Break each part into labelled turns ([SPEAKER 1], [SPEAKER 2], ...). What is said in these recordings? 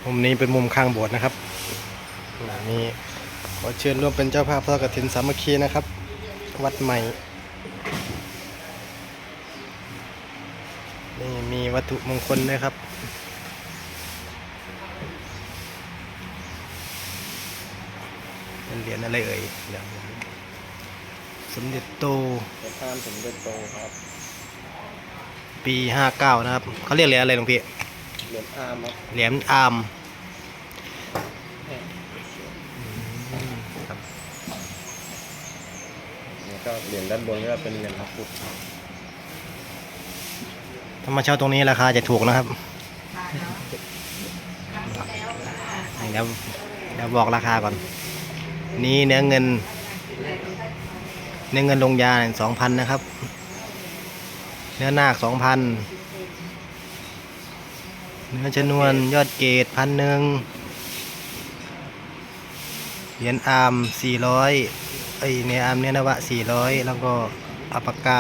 [SPEAKER 1] มุมนี้เป็นมุมข้างโบสถ์นะครับนี่ขอเชิญร่วมเป็นเจ้าภาพทอดกฐินสามัคคีนะครับวัดใหม่นี่มีวัตถุมงคลด้วยครับเป็นเหรียญอะไรเอ่ยอย่างสมเด็จโต
[SPEAKER 2] ตามสมเด็จโตครับ
[SPEAKER 1] ปี59นะครับเขาเรียกเหรียญอะไรหลวงพี่
[SPEAKER 2] เหรียญอาร์มครับ
[SPEAKER 1] เหรียญอาร์ม
[SPEAKER 2] นี่ก็เหรียญด้านบนก็เป็นเหรียญพระพุทธ
[SPEAKER 1] ถ้ามาเช่าตรงนี้ราคาจะถูกนะครับเดี๋ยวบอกราคาก่อนนี่เนื้อเงินลงยา 2,000 นะครับเนื้อนาค 2,000 เนื้อชนวนยอดเกต 1,000 เหรียญอาร์ม 400เนื้ออาร์มเนื้อนวะ 400 แล้วก็อัปปากา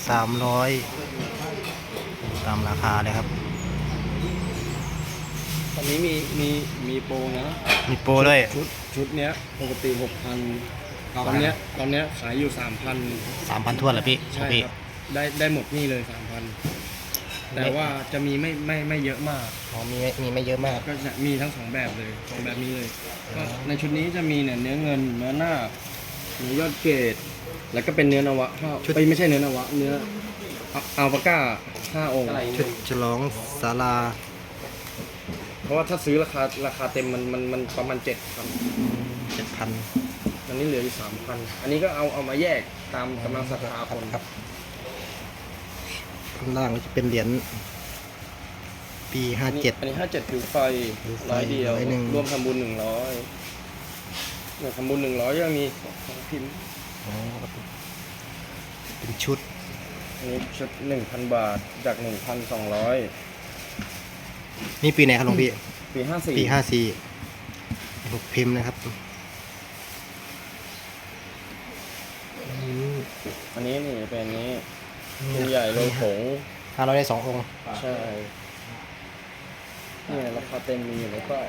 [SPEAKER 1] 300 ตามราคาเลยครับ
[SPEAKER 2] ตอนนี้มีโปรนะ
[SPEAKER 1] มีโปรด้วย
[SPEAKER 2] ชุดเนี้ยปกติ 6,000ตอนเนี้ยขายอยู่ 3,000
[SPEAKER 1] ทวนเหรอพี่
[SPEAKER 2] ใช่ครับได้หมดนี่เลย 3,000แต่ว่าจะมีไม่เยอะมาก
[SPEAKER 1] อ๋อมีไม่เยอะมาก
[SPEAKER 2] ก็จะมีทั้ง2แบบเลย2แบบนี้เลยก็ในชุดนี้จะมีเนี่ยเนื้อเงินเนื้อหน้าเนื้อยอดเกตแล้วก็เป็นเนื้อนวะไม่ใช่เนื้อนวะเนื้ออัลปาก้า5 องค์
[SPEAKER 1] ชุดฉลองศาลา
[SPEAKER 2] เพราะว่าถ้าซื้อราคาเต็มมันประมาณ7,000 อันนี้เหลืออยู่ 3,000 อันนี้ก็เอามาแยกตามกำลังศรัทธาคน
[SPEAKER 1] ครับข้างล่างจะเป็นเหรียญปี57
[SPEAKER 2] อันนี้57ผิวไฟ100เดียวรวมทำบุญ100เนี่ยทำบุญ100ยังมี2พิมพ์
[SPEAKER 1] เป็นชุด
[SPEAKER 2] อันนี้ชุด 1,000 บาทจาก 1,200
[SPEAKER 1] นี่ปีไหนครับหลวงพี่
[SPEAKER 2] ปี54
[SPEAKER 1] ปี54 6 พิมพ์นะครับ
[SPEAKER 2] อันนี้นี่เป็นนี้ตัวใหญ่โลผง
[SPEAKER 1] 500ได้2 องค์
[SPEAKER 2] ใช่นี่ราคาเต็มมีอยู่ในป้าย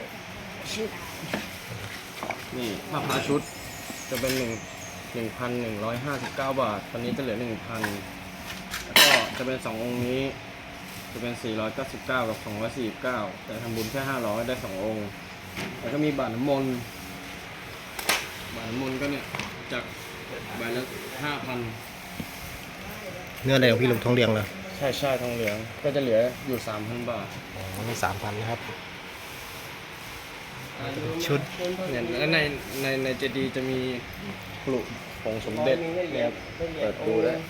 [SPEAKER 2] นี่ถ้าพาชุดจะเป็น1,159 บาทตอนนี้จะเหลือ 1,000 แล้วก็จะเป็น2 องค์นี้จะเป็น499กับ249แต่ทำบุญแค่500ได้2 องค์แล้วก็มีบาทน้ำมนต์ก็เนี่ยจากใบละ5,000
[SPEAKER 1] เนื้ออะไรของพี่ลงทองเหลืองเหรอ
[SPEAKER 2] ใช่ทองเหลืองก็จะเหลืออยู่ 3,000 บาท
[SPEAKER 1] อ๋อนี่ 3,000 นะครับชุด
[SPEAKER 2] เนี่ยและในเจดีย์จะมีปลุกผงสมเด็จเนี่ยเปิดดูได้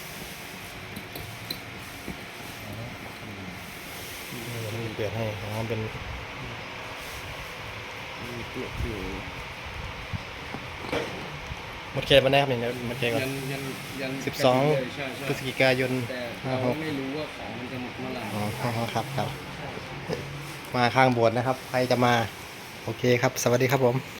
[SPEAKER 1] เปลี่ยนให้เป็น
[SPEAKER 2] ปลุกอยู่
[SPEAKER 1] หมดเขตมาได้ครับเนี่ยหมดเขตก่อน12 พฤศจิกายน
[SPEAKER 2] แต่เราไม่รู้ว่าของมันจะหมดเมื่อไหร่
[SPEAKER 1] อ๋อครับมาข้างโบสถ์นะครับใครจะมาโอเคครับสวัสดีครับผม